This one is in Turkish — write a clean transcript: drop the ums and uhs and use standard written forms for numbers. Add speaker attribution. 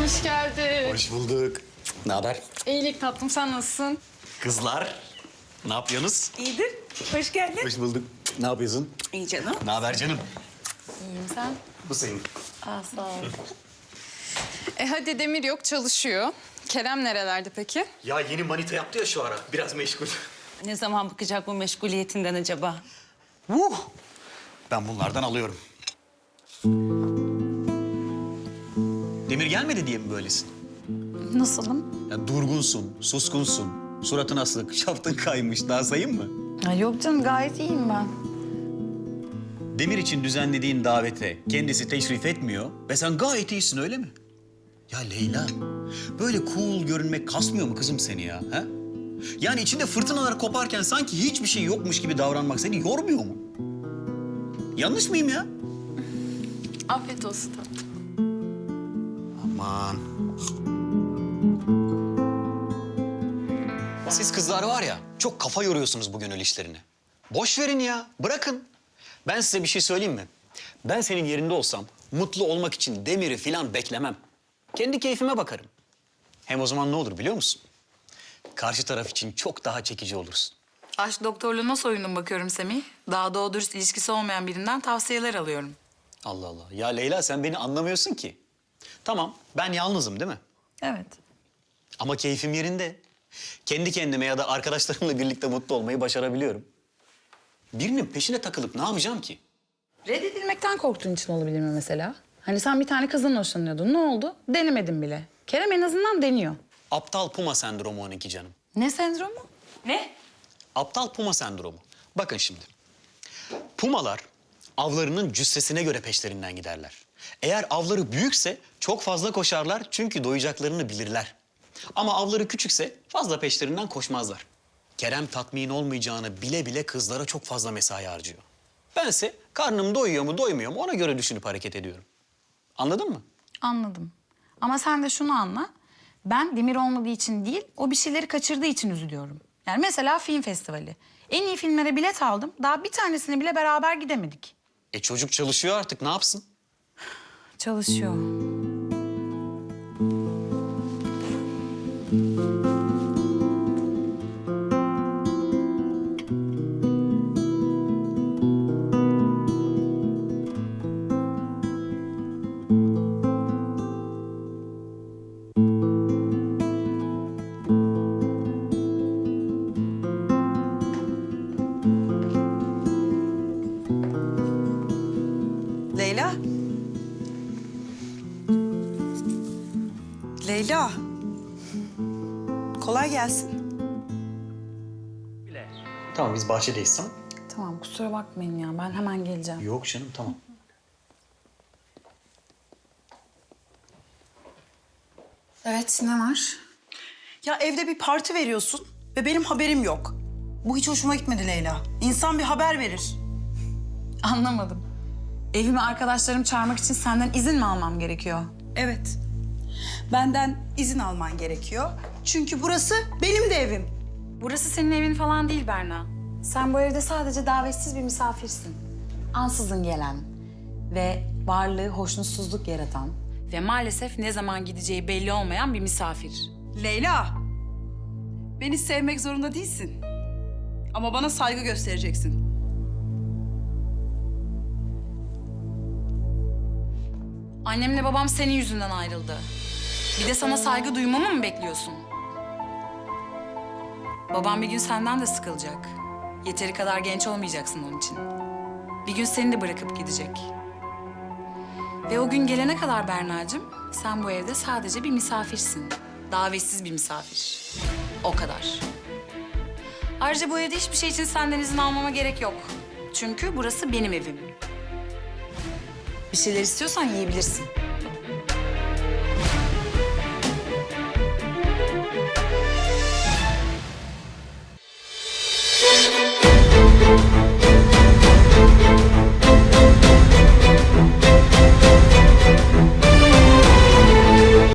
Speaker 1: Hoş geldin.
Speaker 2: Hoş bulduk. Ne haber?
Speaker 1: İyilik tatlım, sen nasılsın?
Speaker 2: Kızlar, ne yapıyorsunuz?
Speaker 3: İyidir. Hoş geldin.
Speaker 2: Hoş bulduk. Ne yapıyorsun?
Speaker 3: İyi canım.
Speaker 2: Ne haber canım?
Speaker 1: İyiyim, sen?
Speaker 2: Bu senin.
Speaker 1: Aa, sağ ol. Hadi Demir yok, çalışıyor. Kerem nerelerde peki?
Speaker 2: Ya yeni manita yaptı ya şu ara. Biraz meşgul.
Speaker 3: Ne zaman bakacak bu meşguliyetinden acaba?
Speaker 2: Ben bunlardan alıyorum. Demir gelmedi diye mi böylesin?
Speaker 1: Nasılım?
Speaker 2: Ya durgunsun, suskunsun. Suratın asık, şaftın kaymış. Daha sayayım mı?
Speaker 1: Yok canım, gayet iyiyim ben.
Speaker 2: Demir için düzenlediğin davete kendisi teşrif etmiyor ve sen gayet iyisin, öyle mi? Ya Leyla, böyle cool görünmek kasmıyor mu kızım seni ya? Ha? Yani içinde fırtınalar koparken sanki hiçbir şey yokmuş gibi davranmak seni yormuyor mu? Yanlış mıyım ya?
Speaker 1: Afiyet olsun tatlım.
Speaker 2: Aman. Siz kızlar var ya, çok kafa yoruyorsunuz bu gönül işlerine. Boş verin ya, bırakın. Ben size bir şey söyleyeyim mi? Ben senin yerinde olsam mutlu olmak için Demir'i falan beklemem. Kendi keyfime bakarım. Hem o zaman ne olur biliyor musun? Karşı taraf için çok daha çekici olursun.
Speaker 4: Aşk doktorluğuna soyundum bakıyorum Semih. Daha doğru dürüst ilişkisi olmayan birinden tavsiyeler alıyorum.
Speaker 2: Allah Allah. Ya Leyla, sen beni anlamıyorsun ki. Tamam, ben yalnızım değil mi?
Speaker 4: Evet.
Speaker 2: Ama keyfim yerinde. Kendi kendime ya da arkadaşlarımla birlikte mutlu olmayı başarabiliyorum. Birinin peşine takılıp ne yapacağım ki?
Speaker 5: Reddedilmekten korktuğun için olabilir mi mesela? Hani sen bir tane kızdan hoşlanıyordun. Ne oldu? Denemedin bile. Kerem en azından deniyor.
Speaker 2: Aptal puma sendromu onunki canım.
Speaker 5: Ne sendromu?
Speaker 4: Ne?
Speaker 2: Aptal puma sendromu. Bakın şimdi. Pumalar avlarının cüssesine göre peşlerinden giderler. Eğer avları büyükse çok fazla koşarlar çünkü doyacaklarını bilirler. Ama avları küçükse fazla peşlerinden koşmazlar. Kerem tatmin olmayacağını bile bile kızlara çok fazla mesai harcıyor. Bense karnım doyuyor mu doymuyor mu ona göre düşünüp hareket ediyorum. Anladın mı?
Speaker 5: Anladım. Ama sen de şunu anla. Ben Demir olmadığı için değil, o bir şeyleri kaçırdığı için üzülüyorum. Yani mesela film festivali. En iyi filmlere bilet aldım. Daha bir tanesine bile beraber gidemedik.
Speaker 2: Çocuk çalışıyor artık, ne yapsın?
Speaker 5: Çalışıyor.
Speaker 3: Leyla. Leyla. Kolay gelsin.
Speaker 2: Tamam, biz bahçedeyiz, tamam?
Speaker 5: Tamam, kusura bakmayın ya. Ben hemen geleceğim.
Speaker 2: Yok canım, tamam.
Speaker 5: Evet, ne var?
Speaker 6: Ya evde bir parti veriyorsun ve benim haberim yok. Bu hiç hoşuma gitmedi Leyla. İnsan bir haber verir.
Speaker 5: Anlamadım. Evime arkadaşlarım çağırmak için senden izin mi almam gerekiyor?
Speaker 6: Evet. Benden izin alman gerekiyor. Çünkü burası benim de evim.
Speaker 5: Burası senin evin falan değil Berna. Sen bu evde sadece davetsiz bir misafirsin. Ansızın gelen ve varlığı hoşnutsuzluk yaratan ve maalesef ne zaman gideceği belli olmayan bir misafir.
Speaker 6: Leyla, beni sevmek zorunda değilsin. Ama bana saygı göstereceksin.
Speaker 4: Annemle babam senin yüzünden ayrıldı. Bir de sana saygı duymamı mı bekliyorsun? Babam bir gün senden de sıkılacak. Yeteri kadar genç olmayacaksın onun için. Bir gün seni de bırakıp gidecek. Ve o gün gelene kadar Berna'cığım, sen bu evde sadece bir misafirsin. Davetsiz bir misafir. O kadar. Ayrıca bu evde hiçbir şey için senden izin almama gerek yok. Çünkü burası benim evim.
Speaker 5: Bir şeyler istiyorsan yiyebilirsin.